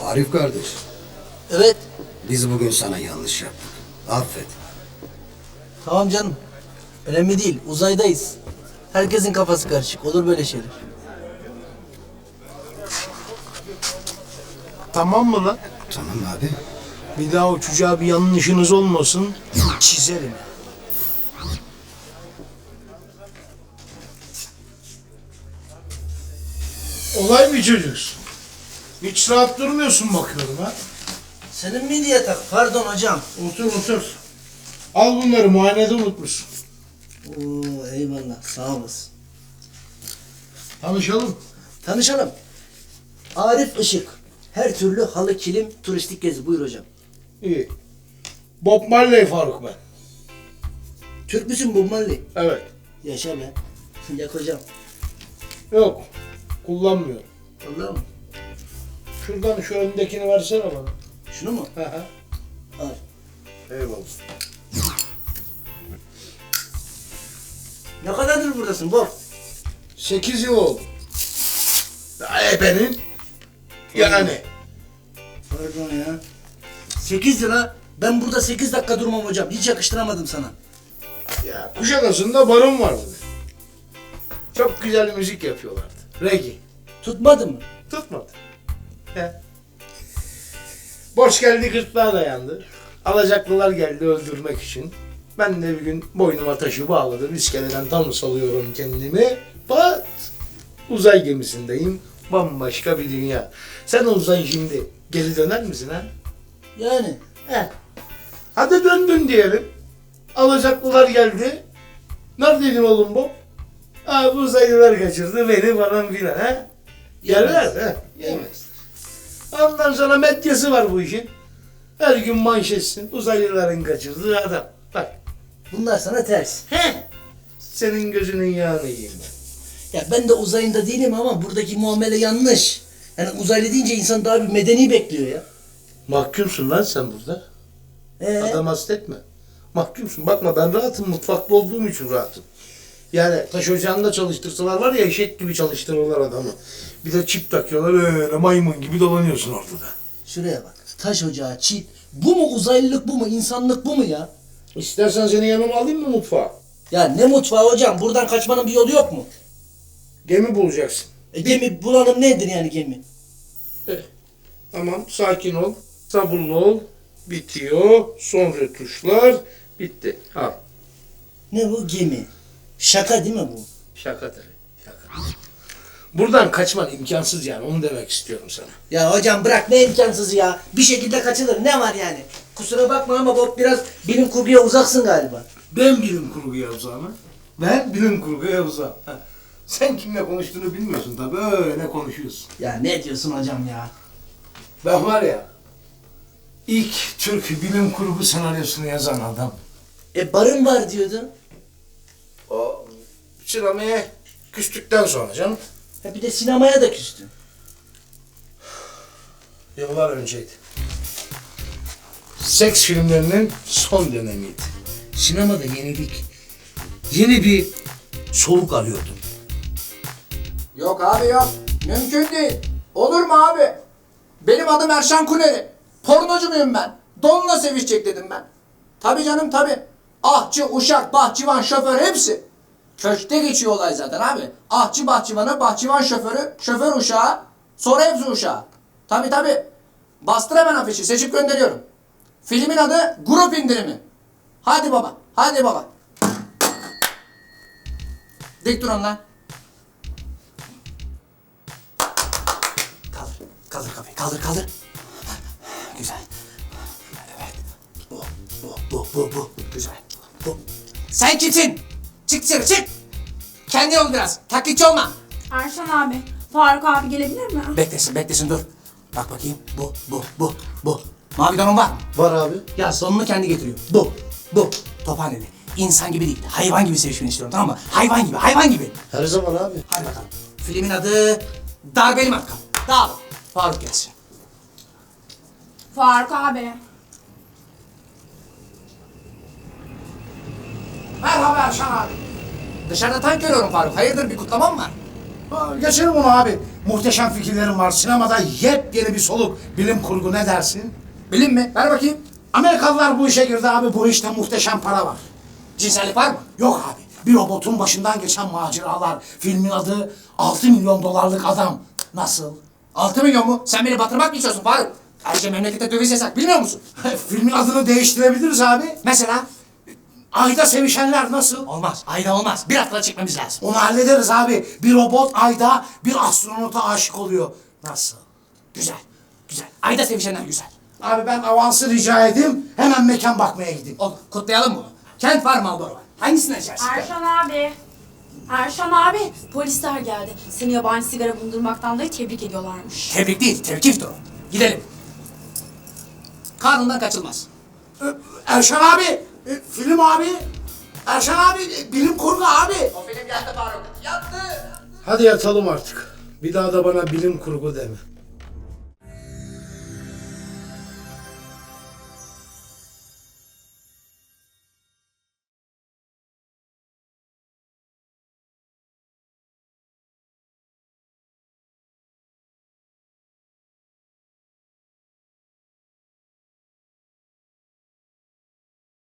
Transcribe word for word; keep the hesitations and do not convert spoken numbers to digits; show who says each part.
Speaker 1: Arif kardeş,
Speaker 2: Evet.
Speaker 1: biz bugün sana yanlış yaptık. Affet.
Speaker 2: Tamam canım. Önemli değil. Uzaydayız. Herkesin kafası karışık. Olur böyle şeyler.
Speaker 3: Tamam mı lan?
Speaker 1: Tamam abi.
Speaker 3: Bir daha o çocuğa bir yanlışınız olmasın. Çizerim. Olay bir çocuksun. Hiç rahat durmuyorsun bakıyorum ha.
Speaker 2: Senin miydi yatak? Pardon hocam.
Speaker 3: Otur otur. Al bunları, muayenede unutmuşsun.
Speaker 2: Oo, eyvallah. Sağ olasın.
Speaker 3: Tanışalım.
Speaker 2: Tanışalım. Arif Işık. Her türlü halı, kilim, turistik gezi. Buyur hocam.
Speaker 3: İyi. Bob Marley Faruk ben.
Speaker 2: Türk müsün Bob Marley?
Speaker 3: Evet.
Speaker 2: Yaşa be. Yak hocam.
Speaker 3: Yok. Kullanmıyorum.
Speaker 2: Vallahi mı?
Speaker 3: Şuradan şu öndekini versene bana.
Speaker 2: Şunu mu?
Speaker 3: Hı hı.
Speaker 2: Al.
Speaker 3: Eyvallah.
Speaker 2: Ne kadardır buradasın Bob?
Speaker 3: Sekiz yıl oldu. Daha ebenin. Yani.
Speaker 2: Pardon ya. Sekiz lira. Ben burada sekiz dakika durmam hocam. Hiç yakıştıramadım sana.
Speaker 3: Ya Kuşadası'nda barın vardı. Çok güzel müzik yapıyorlardı. Reggae.
Speaker 2: Tutmadı mı?
Speaker 3: Tutmadı. He. Borç geldi, gırtlağa dayandı. Alacaklılar geldi öldürmek için. Ben de bir gün boynuma taşı bağladım. İskeleden tam salıyorum kendimi. Pat! Uzay gemisindeyim. Bambaşka bir dünya. Sen olsan şimdi geri döner misin ha?
Speaker 2: Yani.
Speaker 3: He. Hadi döndün diyelim. Alacaklılar geldi. Neredeydin oğlum bu? Ha, bu uzaylılar kaçırdı beni falan filan ha. Yerler ha. Yemez. Ondan sonra medyası var bu işin. Her gün manşetsin. Uzaylıların kaçırdığı adam. Bak.
Speaker 2: Bunlar sana ters.
Speaker 3: He. Senin gözünün yağını yiyeyim ben.
Speaker 2: Ya ben de uzayında değilim ama buradaki muamele yanlış. Yani uzaylı deyince insan daha bir medeni bekliyor ya.
Speaker 3: Mahkumsun lan sen burada.
Speaker 2: Ee?
Speaker 3: Adam hasretme. Mahkumsun. Bakma ben rahatım. Mutfakta olduğum için rahatım. Yani taş ocağında çalıştırsalar var ya eşek gibi çalıştırırlar adamı. Bir de çip takıyorlar öyle maymun gibi dolanıyorsun ortada.
Speaker 2: Şuraya bak. Taş ocağı, çit. Bu mu uzaylılık, bu mu insanlık, bu mu ya?
Speaker 3: İstersen seni yanıma alayım mı mutfağa?
Speaker 2: Ya ne mutfağı hocam? Buradan kaçmanın bir yolu yok mu?
Speaker 3: Gemi bulacaksın.
Speaker 2: E, gemi bulalım nedir yani gemi?
Speaker 3: Eh, tamam sakin ol. Sabırlı ol. Bitiyor. Son retuşlar. Bitti. Al.
Speaker 2: Ne bu gemi? Şaka değil mi bu?
Speaker 3: Şaka tabii. Şaka. Buradan kaçman imkansız yani. Onu demek istiyorum sana.
Speaker 2: Ya hocam bırak ne imkansızı ya. Bir şekilde kaçılır. Ne var yani? Kusura bakma ama Bob biraz bilim kurguya uzaksın galiba.
Speaker 3: Ben bilim kurguya uzağım. Ben bilim kurguya uzağım. Ha. Sen kimle konuştuğunu bilmiyorsun tabii. Öyle konuşuyorsun.
Speaker 2: Ya ne diyorsun hocam ya?
Speaker 3: Ben var ya, ilk Türk bilim kurgu senaryosunu yazan adam.
Speaker 2: E barın var diyordun.
Speaker 3: O sinemaya küstükten sonra canım.
Speaker 2: Ha bir de sinemaya da küstün.
Speaker 3: Yıllar önceydi. Seks filmlerinin son dönemiydi. Sinemada yenilik, yeni bir soluk arıyordum.
Speaker 4: Yok abi yok. Mümkün değil. Olur mu abi? Benim adım Erşan Kuneri. Pornocu muyum ben? Donla sevişecek dedim ben. Tabii canım tabii. Ahçı, uşak, bahçıvan, şoför hepsi. Köşkte geçiyor olay zaten abi. Ahçı bahçıvanı, bahçıvan şoförü, şoför uşağı, sonra hepsi uşağı. Tabii tabii. Bastır hemen afişi, seçip gönderiyorum. Filmin adı Grup İndirimi. Hadi baba, hadi baba. Dik durun lan.
Speaker 2: Kaldır. Kaldır kafayı. Kaldır kaldır. Güzel. Evet. Bu. Bu. Bu. Bu. Bu. Güzel. Bu.
Speaker 4: Sen kimsin? Çık dışarı çık. Kendi ol biraz. Taklitçi olma.
Speaker 5: Erşan abi, Faruk abi gelebilir mi?
Speaker 2: Beklesin beklesin dur. Bak bakayım. Bu. Bu. Bu. Bu. Mavi donun var mı?
Speaker 1: Var abi.
Speaker 2: Ya sonunu kendi getiriyor. Bu. Bu. Tophaneli. İnsan gibi değil. Hayvan gibi sevişmeni istiyorum tamam mı? Hayvan gibi. Hayvan gibi.
Speaker 1: Her zaman abi.
Speaker 2: Hadi bakalım. Filmin adı Darbeli Matkap. Dağıl. Faruk gelsin.
Speaker 5: Faruk abi.
Speaker 4: Merhaba Erşan abi. Dışarıda tank görüyorum Faruk. Hayırdır bir kutlamam var?
Speaker 3: Ha, geçelim onu abi. muhteşem fikirlerim var. Sinemada yepyeni bir soluk. Bilim kurgu ne dersin?
Speaker 4: Bilim mi? Ver bakayım.
Speaker 3: Amerikalılar bu işe girdi abi. Bu işte muhteşem para var.
Speaker 4: Cinsellik var mı?
Speaker 3: Yok abi. Bir robotun başından geçen maceralar. Filmin adı altı milyon dolarlık adam. Nasıl?
Speaker 4: Altı milyon mu? Sen beni batırmak mı istiyorsun Faruk? Ayrıca memlekette döviz yasak bilmiyor musun?
Speaker 3: Filmin adını değiştirebiliriz abi.
Speaker 4: Mesela?
Speaker 3: Ayda sevişenler nasıl?
Speaker 2: Olmaz. Ayda olmaz. Bir haftada çekmemiz lazım.
Speaker 3: Onu hallederiz abi. Bir robot ayda bir astronota aşık oluyor. Nasıl?
Speaker 2: Güzel. Güzel. Ayda sevişenler güzel.
Speaker 3: Abi ben avansı rica edeyim. Hemen mekan bakmaya gideyim.
Speaker 4: Olur. Kutlayalım bunu. Kent var Marlboro var. Hangisinden içersin?
Speaker 5: Erşan abi. Erşan abi, polisler geldi. Seni yabancı sigara bulundurmaktan dolayı tebrik ediyorlarmış.
Speaker 2: Tebrik değil, tevkif o.
Speaker 4: Gidelim. Kanundan kaçılmaz.
Speaker 3: Ee, Erşan abi, e, film abi. Erşan abi, e, bilim kurgu abi.
Speaker 4: O film yattı Faruk. Yattı.
Speaker 3: Hadi yatalım artık. Bir daha da bana bilim kurgu deme.